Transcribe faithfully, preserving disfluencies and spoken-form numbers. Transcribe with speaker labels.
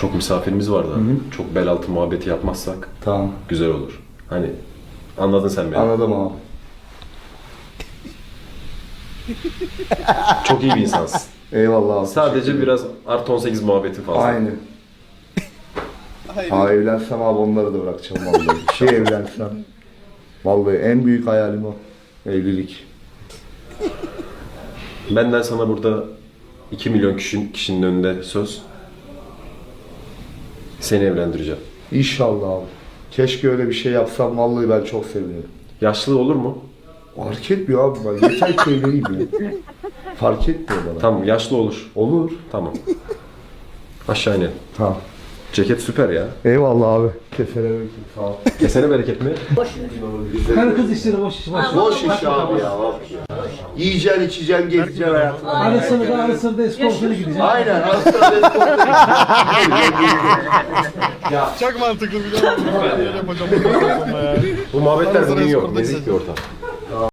Speaker 1: Çok misafirimiz var da.
Speaker 2: Hı-hı.
Speaker 1: Çok bel altı muhabbeti yapmazsak
Speaker 2: Tamam.
Speaker 1: güzel olur. Hani anladın sen beni.
Speaker 2: Anladım abi.
Speaker 1: Çok iyi bir insansın.
Speaker 2: Eyvallah abi.
Speaker 1: Sadece biraz artı on sekiz muhabbeti fazla.
Speaker 2: Aynı. Ha evlensem abi onları da bırakacağım vallahi. Bir şey evlensem. Vallahi en büyük hayalim o. Evlilik.
Speaker 1: Benden sana burada iki milyon kişinin, kişinin önünde söz. Seni evlendireceğim.
Speaker 2: İnşallah abi. Keşke öyle bir şey yapsam vallahi ben çok sevinirim.
Speaker 1: Yaşlı olur mu?
Speaker 2: Fark etmiyor abi ben. Yeter ki evleneyim ya. Fark etmiyor bana.
Speaker 1: Tamam, yaşlı olur.
Speaker 2: Olur.
Speaker 1: Tamam. Aşağı inelim.
Speaker 2: Tamam.
Speaker 1: Ceket süper ya.
Speaker 2: Eyvallah abi. Kesene bereket. Sağ ol.
Speaker 1: Kesene bereket mi?
Speaker 3: Karı kız işleri boş iş boş.
Speaker 2: Boş iş abi ya. Yiyeceksin, içeceksin, gezeceksin hayatını.
Speaker 3: Arasını da arasını da eskortuna gideceksin.
Speaker 2: Aynen. Aslında
Speaker 4: Çok mantıklı biliyor musun? Ben de öyle yapacağım.
Speaker 1: Bu muhabbetler bugün yok. Nezik bir ortam.